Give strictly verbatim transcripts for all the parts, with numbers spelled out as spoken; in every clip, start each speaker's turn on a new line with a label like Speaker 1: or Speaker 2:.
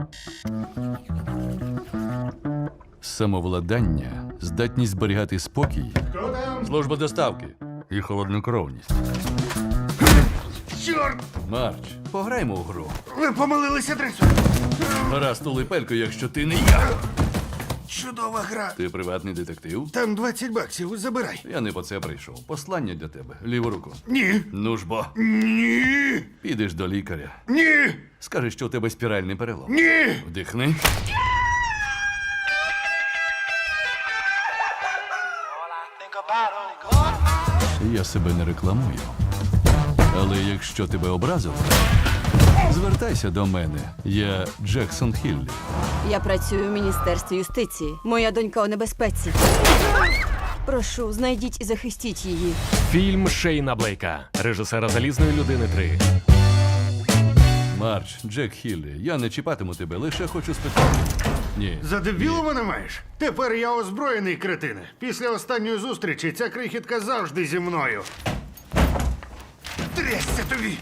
Speaker 1: Самовладання, здатність зберігати спокій,
Speaker 2: Хто там?
Speaker 1: служба доставки і холоднокровність.
Speaker 2: Чорт!
Speaker 1: Марч, пограймо у гру.
Speaker 2: Ви помилились адресою.
Speaker 1: Гаразд, улипелько, якщо ти не я.
Speaker 2: Чудова гра.
Speaker 1: Ти приватний детектив?
Speaker 2: Там двадцять баксів, забирай.
Speaker 1: Я не по це прийшов. Послання для тебе. Ліву руку.
Speaker 2: Ні.
Speaker 1: Ну ж бо.
Speaker 2: Ні.
Speaker 1: Підеш до лікаря.
Speaker 2: Ні.
Speaker 1: Скажеш, що у тебе спіральний перелом.
Speaker 2: Ні.
Speaker 1: Вдихни. Я себе не рекламую. Але якщо тебе образило, звертайся до мене. Я Джексон Хіллі.
Speaker 3: Я працюю в Міністерстві юстиції. Моя донька у небезпеці. Прошу, знайдіть і захистіть її.
Speaker 4: Фільм Шейна Блейка, режисера «Залізної людини три».
Speaker 1: Марч, Джек Хіллі, я не чіпатиму тебе, лише хочу спитати. Ні.
Speaker 2: За дебілу мене маєш? Тепер я озброєний, кретине. Після останньої зустрічі ця крихітка завжди зі мною. Трясся тобі!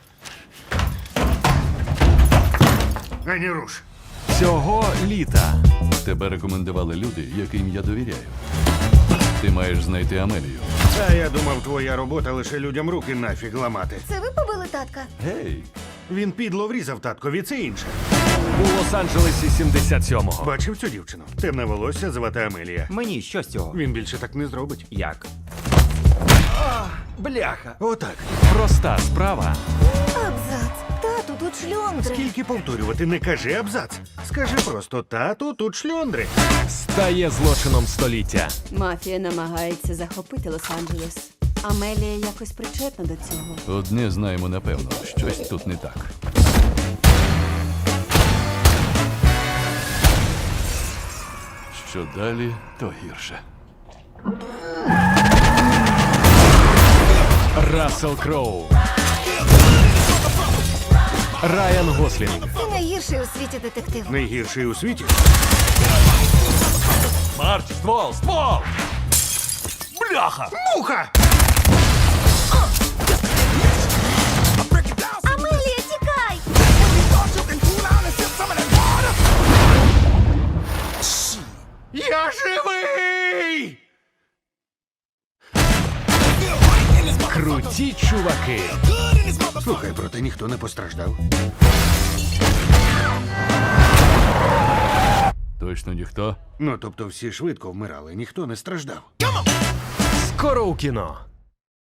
Speaker 2: Ані руш.
Speaker 4: Цього літа
Speaker 1: Тебе рекомендували люди, яким я довіряю. Ти маєш знайти Амелію.
Speaker 2: А я думав, твоя робота лише людям руки нафіг ламати.
Speaker 5: Це ви побили татка?
Speaker 1: Гей!
Speaker 2: Він підло врізав таткові, це інше.
Speaker 4: у Лос-Анджелесі сімдесят сьомого.
Speaker 2: Бачив цю дівчину? Темне волосся, звати Амелія.
Speaker 6: Мені що з цього?
Speaker 2: Він більше так не зробить.
Speaker 6: Як? Бляха!
Speaker 2: Отак.
Speaker 4: Проста справа
Speaker 5: Абзац. Тату, тут шльондри.
Speaker 2: Скільки повторювати, не кажи абзац. Скажи просто тату, тут шльондри.
Speaker 4: стає злочином століття.
Speaker 3: Мафія намагається захопити Лос-Анджелес. Амелія якось причетна до цього.
Speaker 1: Одне знаємо напевно, щось тут не так. Що далі, то гірше.
Speaker 4: Рассел Кроу, Райан Гослінг,
Speaker 5: Ти найгірший у світі детектив.
Speaker 2: Найгірший у світі.
Speaker 4: Марч, ствол, ствол! Бляха!
Speaker 2: Муха!
Speaker 5: Амелія, тікай!
Speaker 2: Я живий!
Speaker 4: Круті чуваки.
Speaker 2: Слухай, проте ніхто не постраждав.
Speaker 1: Точно ніхто?
Speaker 2: Ну, тобто всі швидко вмирали, ніхто не страждав.
Speaker 4: Скоро у кіно.